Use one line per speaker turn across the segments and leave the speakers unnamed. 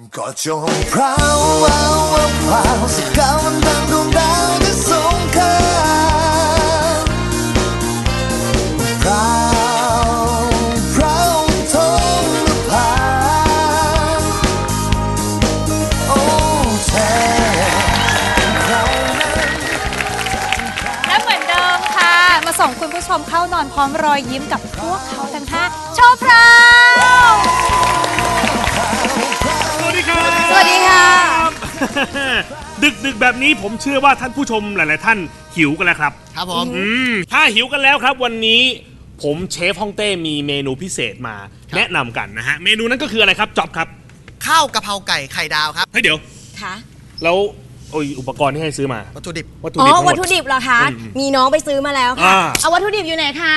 ก็จงพราวพราวสักก้าวมันดังดวงดาวที่สงครามพราวพราวท้องนภาโอ้แท้ใคร
และเหมือนเดิมค่ะมาส่งคุณผู้ชมเข้านอนพร้อมรอยยิ้มกับพวกเขาทั้ง5โชว์พราว
สวัสดีค่ะดึกแบบนี้ผมเชื่อว่าท่านผู้ชมหลายๆท่านหิวกันแล้วครับ
ครับผม
ถ้าหิวกันแล้วครับวันนี้ผมเชฟฮ่องเต้มีเมนูพิเศษมาแนะนำกันนะฮะเมนูนั้นก็คืออะไรครับจ๊อบครับ
ข้าวกะเพราไก่ไข่ดาวครับ
เฮ้ยเดี๋ยว
ค่ะ
แล้วอุปกรณ์ที่ให้ซื้อมา
วัตถุดิบ
วัตถุดิบเหรอคะมีน้องไปซื้อมาแล้วค่ะเอาวัตถุดิบอยู่ไหนคะ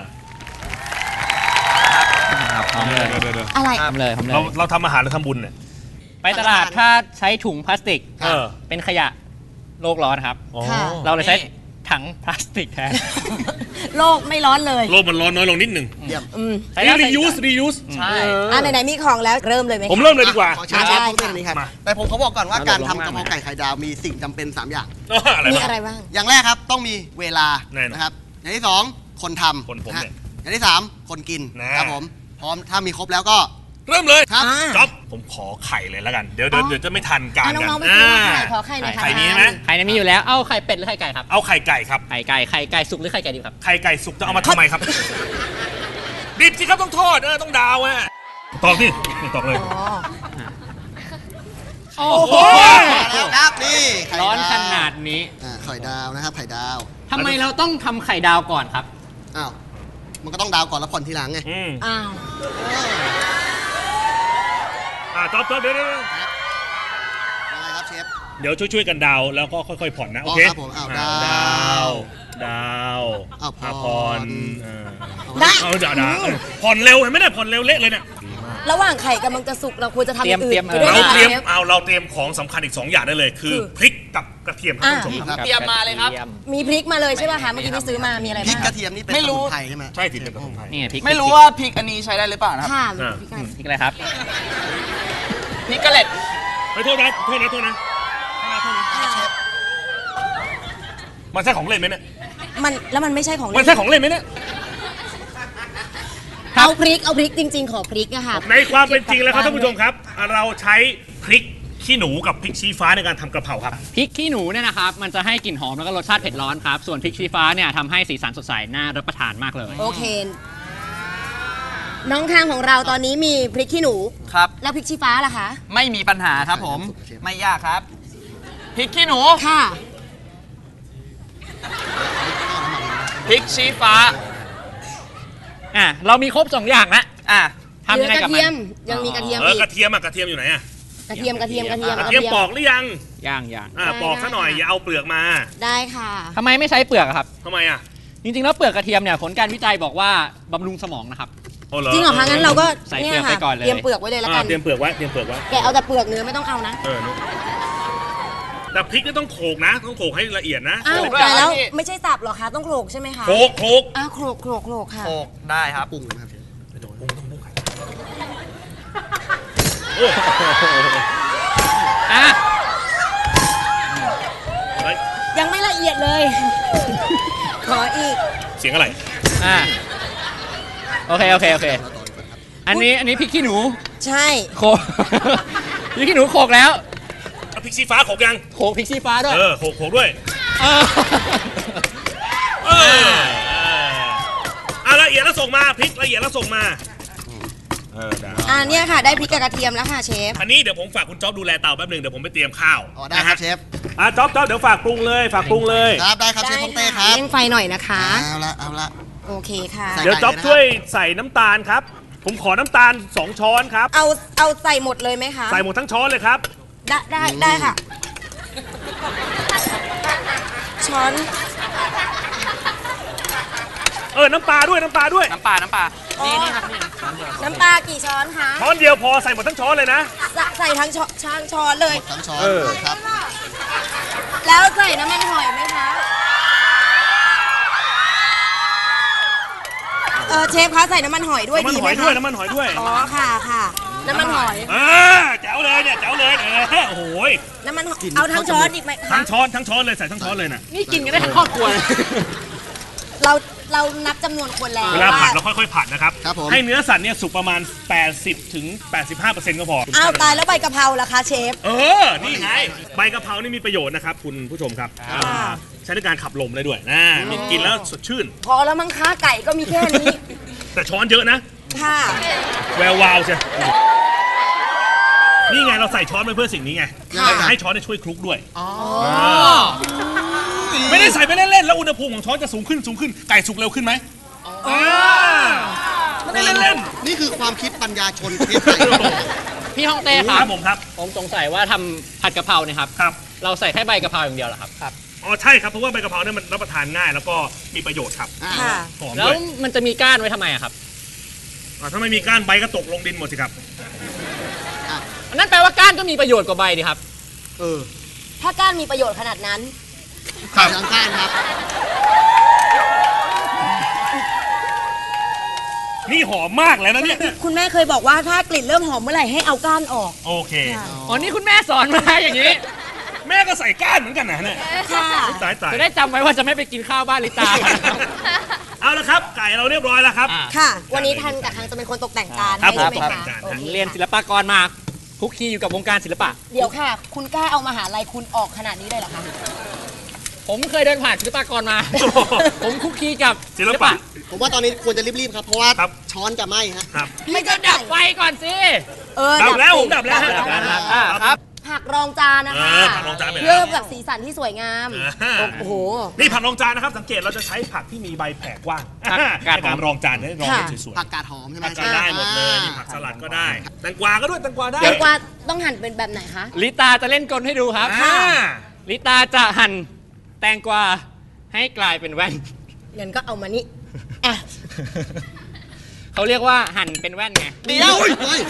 พร้อมเลย
อะไร
ทำเลย
เราทำอาหารหรือทำบุญเนี่ย
ไปตลาดถ้าใช้ถุงพลาสติกเป็นขยะโลกร้อนครับเราเลยใช้ถังพลาสติกแทน
โลกไม่ร้อนเลย
โลกมันร้อนน้อยลงนิดหนึ่ง
ใช้
reuse
ใช่ไหนๆมีของแล้วเริ่มเลยไหม
ผมเริ่มเลยดีกว่า
ใช่นี้ครับแต่ผมเขาบอกก่อนว่าการทำกะเพราไก่ไข่ดาวมีสิ่งจำเป็น3อย่าง
มีอะไรบ้าง
อย่างแรกครับต้องมีเวลานะครับอย่างที่2คนทำอย่างที่3คนกินครับผมพร้อมถ้ามีครบแล้วก็
เริ่มเลย
ครับ
จ๊อบผมขอไข่เลยแล้วกันเดี๋ยวจะไม่ทันการกัน
ขอไข่หน่อยค่ะ
ไข่นี้ไหม
ไข่นี้มีอยู่แล้วเอาไข่เป็ดหรือไข่ไก่ครับ
เอาไข่ไก่ครับ
ไข่ไก่สุกหรือไข่ไก่ดิบครับ
ไข่ไก่สุกจะเอามาทำไมครับดิบสิครับต้องทอดต้องดาวตอกนี่ตอกเลย
โอ้โห
แล้วครับนี่
ร้อนขนาดนี้
ไข่ดาวนะครับไข่ดาว
ทำไมเราต้องทำไข่ดาวก่อนครับ
อ้าวมันก็ต้องดาวก่อนแล้วผ่อนทีหลังไง
อ้าว
จ๊อบเดี๋ยว
อะไรครับเชฟ
เดี๋ยวช่วยกันดาวแล้วก็ค่อยๆผ่อนนะโอเค
ครับผม
ดาวผ่อนผ่อนเร็วเห็นไหมเนี่ยผ่อนเร็วเละเลยเนี่ย
ระหว่างไข่กำลังจะสุกเราควรจะทำอย่างอื่น
เราเตรียมของสำคัญอีก2อย่างได้เลยคือพริกกับกระเทียมครับท่านผู้ชม
เตรียมมาเลยครับ
มีพริกมาเลยใช่ป่ะคะเมื่อกี้ที่ซื้อมามีอะไรบ้าง
พริกกระเทียมนี่เป็นสมุนไพรใช่ไหม
ใช่เป็นสมุนไพร
ไม่รู้ว่าพริกอันนี้ใช้ได้หรือเปล่านะ
ค่ะ
พริกอะไรครับพริกกระเล็ด
ไม่โทษนะมันใช่ของเล่นไหมเนี่ย
มันไม่ใช่ของเล่น
มันใช่ของเล่นไหมเนี่ย
เอาพริกจริงๆขอพริกอะค่ะ
ในความเป็นจริงแล้วครับท่านผู้ชมครับเราใช้พริกขี้หนูกับพริกชี้ฟ้าในการทำกระเพราครับ
พริกขี้หนูเนี่ยนะครับมันจะให้กลิ่นหอมแล้วก็รสชาติเผ็ดร้อนครับส่วนพริกชี้ฟ้าเนี่ยทำให้สีสันสดใสน่ารับประทานมากเลย
โอเคน้องข้างของเราตอนนี้มีพริกขี้หนู
ครับ
แล้วพริกชี้ฟ้าล่ะคะ
ไม่มีปัญหาครับผมไม่ยากครับพริกขี้หนู
ค่ะ
พริกชี้ฟ้าเรามีครบ2อย่างแล้ว
ทำยังไงกับมันยังมีกระเทียมอีก
กระเทียมอยู่ไหน
กระเทียม
ปอกหรือยัง
ยัง
ปอกซะหน่อยอย่าเอาเปลือกมา
ได้ค่ะ
ทำไมไม่ใช้เปลือกครับ
ทำไม
จริงๆแล้วเปลือกกระเทียมเนี่ยผลการวิจัยบอกว่าบำรุงสมองนะครับ
จริงเหรอคะงั้นเราก็
ใส่เปลือกไปก่อนเลย
เตรียมเปลือกไว้เลยแล้วกัน
เตรียมเปลือกไว้
แกเอาแต่เปลือกเนื้อไม่ต้องเอานะ
แต่พริกนี่ต้องโขลกนะต้องโขลกให้ละเอียดนะ
แต่แล้วไม่ใช่สับหรอคะต้องโขลกใช่ไหมคะ
โขลก
โขลกค่ะ
โขลกได้ครับ
ปรุงนะครับ
ยังไม่ละเอียดเลยขออีก
เสียงอะไร
โอเคอันนี้พริกขี้หนู
ใช่
โขลกพริกขี้หนูโขลกแล้ว
พริกชี้ฟ้าโขลกยัง
โขลกพริกชี้ฟ้าด้วย
โขลกด้วยละเอียดแล้วส่งมาพริกละเอียดแล้วส่งมา
เนี่ยค่ะได้พริกกับกระเทียมแล้วค่ะเชฟ
อันนี้เดี๋ยวผมฝากคุณจ๊อบดูแลเตาแป๊บนึงเดี๋ยวผมไปเตรียมข้าว
ได้ครับเชฟ
จ๊อบเดี๋ยวฝากปรุงเลย
ครับได้ครับเชฟฮ่องเต้ครับ
เร่งไฟหน่อยนะคะ
เอาละ
โอเคค่ะ
เดี๋ยวจ๊อบช่วยใส่น้ำตาลครับผมขอน้ำตาล2 ช้อนครับ
เอาใส่หมดเลยไหมคะ
ใส่หมดทั้งช้อนเลยครับ
ได้ค่ะช้อน
น้ำปลาด้วย
น้ำปลานี่ครับนี่
น้ำปลากี่ช้อนคะ
ช้อนเดียวพอใส่หมดทั้งช้อนเลยนะ
ใส่ทั้งช้อนเลย
ทั้งช้อนครับ
แล้วใส่น้ำมันหอยไหมคะเชฟคะใส่น้ำมันหอยด้วยดีไหมคะ
น้ำมันหอยด้วย
อ๋อค่ะน้ำมันหอย
แจ๋วเลยเนี่ยโอ้โห
น้ำมันเอาทั้งช้อนอีกไหม
ทั้งช้อนเลยใส่ทั้งช้อนเลยนะ
นี่กินกันได้ทั้งครอบครัว
เรานับจำนวนคนแล้ว
เวลาผัดเราค่อยๆผัดนะครับ
ครับผม
ให้เนื้อสัตว์เนี่ยสุกประมาณ 80 ถึง 85% ก็พอ
อ้าวตายแล้วใบกะเพราล่ะคะเชฟ
นี่ไงใบกะเพรานี่มีประโยชน์นะครับคุณผู้ชมครับใช้ในการขับลมได้ด้วยนะมีกินแล้วสดชื่น
พอแล้วมั้งคะไก่ก็มีแค่นี้
แต่ช้อนเยอะนะ
ค่ะ
แวววาวใช่นี่ไงเราใส่ช้อนไปเพื่อสิ่งนี้ไงจะให้ช้อนช่วยคลุกด้วยไม่ได้ใส่ไปเล่นๆแล้วอุณหภูมิของช้อนจะสูงขึ้นไก่สุกเร็วขึ้นไหมไม่ได้เล่นๆ
นี่คือความคิดปัญญาชนประเทศไทย
พี่ฮ่องเต้ค
ค
รั
รั
บบ
ผมครับ
ผมสงสัยว่าทำผัดกะเพราเนี่ยครับ
ครับ
เราใส่แค่ใบกะเพราอย่างเดียวเหรอครับ
อ๋อใช่ครับเพราะว่าใบกะเพราเนี่ยมันรับประทานง่ายแล้วก็มีประโยชน์ครับ
ค่ะ
หอม
แล้ว
ด้วย
มันจะมีก้านไว้ทำไมอะครับ
ถ้าไม่มีก้านใบก็ตกลงดินหมดสิครับ
อันนั้นแปลว่าก้านก็มีประโยชน์กว่าใบดิครับ
ถ้าก้านมีประโยชน์ขนาดนั้น
ครับทางการครับ
นี่หอมมากแล้วนะเนี่ย
คุณแม่เคยบอกว่าถ้ากลิ่นเริ่มหอมเมื่อไหร่ให้เอาก้านออก
โอเค
อ๋อ นี่คุณแม่สอนมาอย่างนี้
แม่ก็ใส่ก้านเหมือนกันนะเนี่ย
ค่ะ
ตาย
จะได้จำไว้ว่าจะไม่ไปกินข้าวบ้านลิตา
เอาละครับไก่เราเรียบร้อยแล้วครับ
ค่ะ วันนี้ทันกับทางจะเป็นคนตกแต่งจาน
ครับ
ให้ใช่ไหม
ผมตกแต่
คะ
งจาน
โอ
ครับ
เค
เรียนศิลปากรมาคุกคีอยู่กับวงการศิลปะ
เดี๋ยวค่ะ คุณกล้าเอามหาลัยคุณออกขนาดนี้เลยเหรอคะ
ผมเคยเดินผ่านศิลปากรมา ผมคุกคีกับ
ศิลปะ
ผมว่าตอนนี้ควรจะรีบๆครับ เพราะว่า
ครับ
ช้อนจะไหม้ฮะ
ครับ
ไม่ก็ดับไฟก่อนสิ
ดับแล้วผม
สิ
ดับแล้วฮะ
ดับแล้ว
ครับ
ผักรองจานนะคะ
ผักรองจานไปแล้ว
เพื่อแบบสีสันที่สวยงาม
อ่า
โอ้โห
นี่ผักรองจานนะครับสังเกตเราจะใช้ผักที่มีใบแผ่กว้าง
ผักกาดหอม
ในการรองจานได้รองได้สวย
ผักกาดหอมใช่ไหม
ๆผักกาดได้หมดเลยนี่ผักสลัดก็ได้แตงกวาก็ด้วยแตงกวาได้
แตงกวาต้องหั่นเป็นแบบไหนคะ
ลิตาจะเล่นกลให้ดูครับ
อ่า
ลิตาจะหั่นแตงกวาให้กลายเป็นแว่น
เงินก็เอามานี่อ่ะ
เขาเรียกว่าหั่นเป็นแว่นไง
เดี๋ยว
เฮ้ย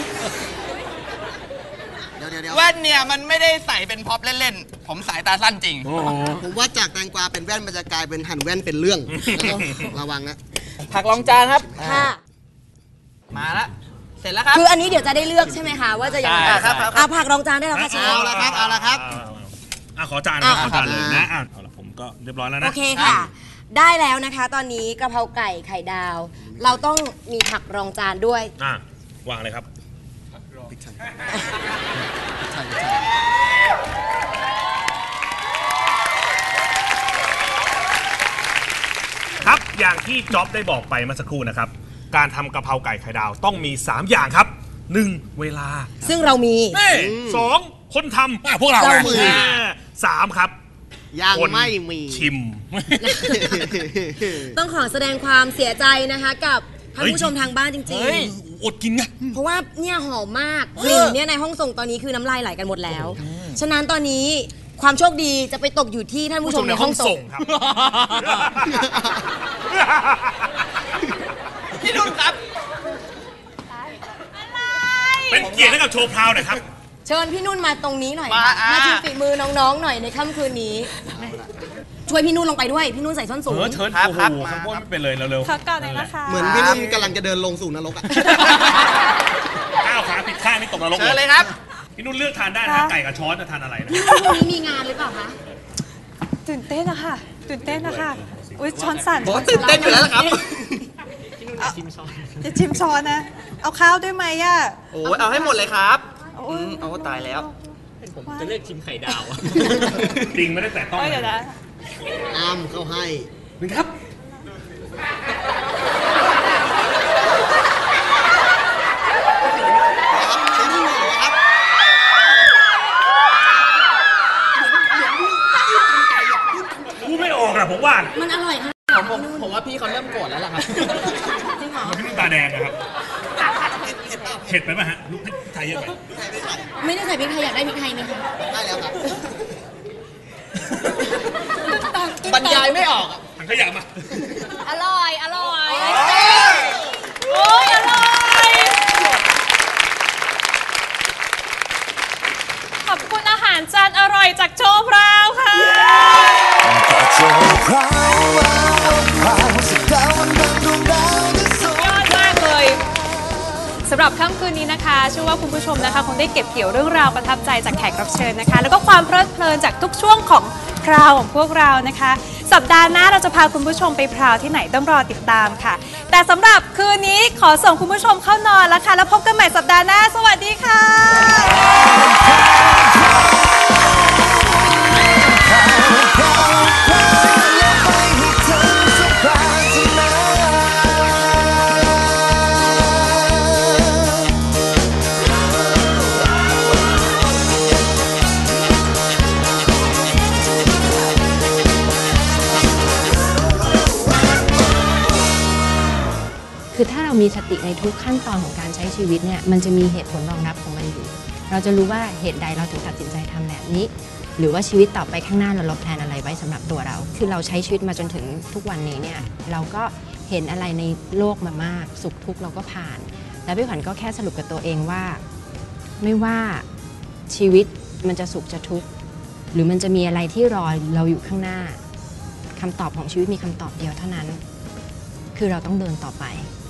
เดี๋ยว
แว่นเนี่ยมันไม่ได้ใส่เป็นพ็อปเล่นๆ ผมสายตาสั้นจริง
ผมว่าจากแตงกวาเป็นแว่นมันจะกลายเป็นหั่นแว่นเป็นเรื่องระวังนะ
ผักรองจานครับ
ค่ะ
มาละเสร็จแล้วครับ
คืออันนี้เดี๋ยวจะได้เลือกใช่ไหมคะว่าจะยังไง
ใช่
ครับ
เอาผักรองจานได้แล้วค่ะเชฟ
เอาละครับเอาละครับ
ขอจานนะครับ
อ่ะ
ขอจานเลยนะเอาละผมก็เรียบร้อยแล้ว
โอ
นะ
เคค่ะ ได้แล้วนะคะ ตอนนี้กะเพราไก่ไข่ดาว เราต้องมีผักรองจานด้วย
วางเลยครับ ครับอย่างที่จ๊อบได้บอกไปเมื่อสักครู่นะครับ การทำกะเพราไก่ไข่ดาวต้องมี 3 อย่างครับ 1. เวลา
ซึ่งเรามี
สองคนทำพวกเรา
เรามี
สามครับ
ยัง
คน
ไม่มี
ชิม
ต้องขอแสดงความเสียใจนะคะกับท่านผู้ชมทางบ้านจริง
อดกินไง
ๆ เพราะว่าเนี่ยหอมมากกลิ่นเนี่ยในห้องส่งตอนนี้คือน้ำลายไหลกันหมดแล้ว ฉะนั้นตอนนี้ความโชคดีจะไปตกอยู่ที่ท่านผู้ชมในห้องส่ง
ครับ
พี่นุ่นครับ
เป็นเกียรติให้กับโชว์พราวหน่อยครับ
เชิญพี่นุ่นมาตรงนี้หน่อย
มา
มาชิมฝีมือน้องๆหน่อยในค่ำคืนนี้ ช่วยพี่นุ่นลงไปด้วย พี่นุ่นใส่ส้นสูง
เชิญ
ครับ
โอ้โห
ครับ
ข้างบนไม่เป็นเลยเร็ว
พักก่อนเลยนะคะ
เหมือนพี่นุ่นกำลังจะเดินลงสู่นรกอ่ะ
ก้าวขาผิดข้างนี่ตกนรก
เชิญเลยครับ
พี่นุ่นเลือกทานได้นะไก่กับช้อนจะทานอะไรนะ
พรุ่งนี้มีงานหรือเปล่าคะ
ตื่นเต้นนะคะตื่นเต้นนะคะอุ้ยช้อนสั่น
ผมตื่นเต้นอยู่แล้วล่ะครับ
จะชิมช้อนนะ เอาข้าวด้วยไหมอ่ะ
โอ้ยเอาให้หมดเลยครับ
โอ้ย
เอาตายแล้ว
ผมจะเลือกชิมไข่ดาว
จริงไม่ได้แต่ต้อง
เอ้ยเดี๋ยวนะ
อ้ำเข้าให้
นึงครับ
ครับใช้ที่มือครับ
พูดไม่ออกอะผมว่า
มันอร่อยค่ะ
ผมว่าพี่เขาเริ่มโกรธแล้วล่ะครับ
จริงเหรอ
พี่นุ่นตาแดงนะครับเผ็ดไปไหมฮะลูกพริกไทยเยอะไป
ไม่ได้ใส่พริกไทยอยากได้พริกไทยไหมคะ
ได้แล้วครับ
บรรยายไม่ออกอะ
ถังขยะมา
อร่อย อร่อย โอ้ยอร่อย
ขอบคุณอาหารจานอร่อยจากโชว์พราวค่ะ
โชว์พราวพราวสกาววันดังดวงดาวที่สวย
ยอดมากเลย
สำหรับค่ำคืนนี้นะคะเชื่อว่าคุณผู้ชมนะคะคงได้เก็บเกี่ยวเรื่องราวประทับใจจากแขกรับเชิญนะคะแล้วก็ความเพลิดเพลินจากทุกช่วงของพราวของพวกเรานะคะสัปดาห์หน้าเราจะพาคุณผู้ชมไปพราวที่ไหนต้องรอติดตามค่ะแต่สำหรับคืนนี้ขอส่งคุณผู้ชมเข้านอนแล้วค่ะแล้วพบกันใหม่สัปดาห์หน้าสวัสดีค่ะ
คือถ้าเรามีสติในทุกขั้นตอนของการใช้ชีวิตเนี่ยมันจะมีเหตุผลรองรับของมันอยู่เราจะรู้ว่าเหตุใดเราถึงตัดสินใจทำแบบนี้หรือว่าชีวิตต่อไปข้างหน้าเราแพลนอะไรไว้สำหรับตัวเราคือเราใช้ชีวิตมาจนถึงทุกวันนี้เนี่ยเราก็เห็นอะไรในโลกมามากสุขทุกข์เราก็ผ่านแล้วพี่ขวัญก็แค่สรุปกับตัวเองว่าไม่ว่าชีวิตมันจะสุขจะทุกข์หรือมันจะมีอะไรที่รอเราอยู่ข้างหน้าคำตอบของชีวิตมีคำตอบเดียวเท่านั้นคือเราต้องเดินต่อไป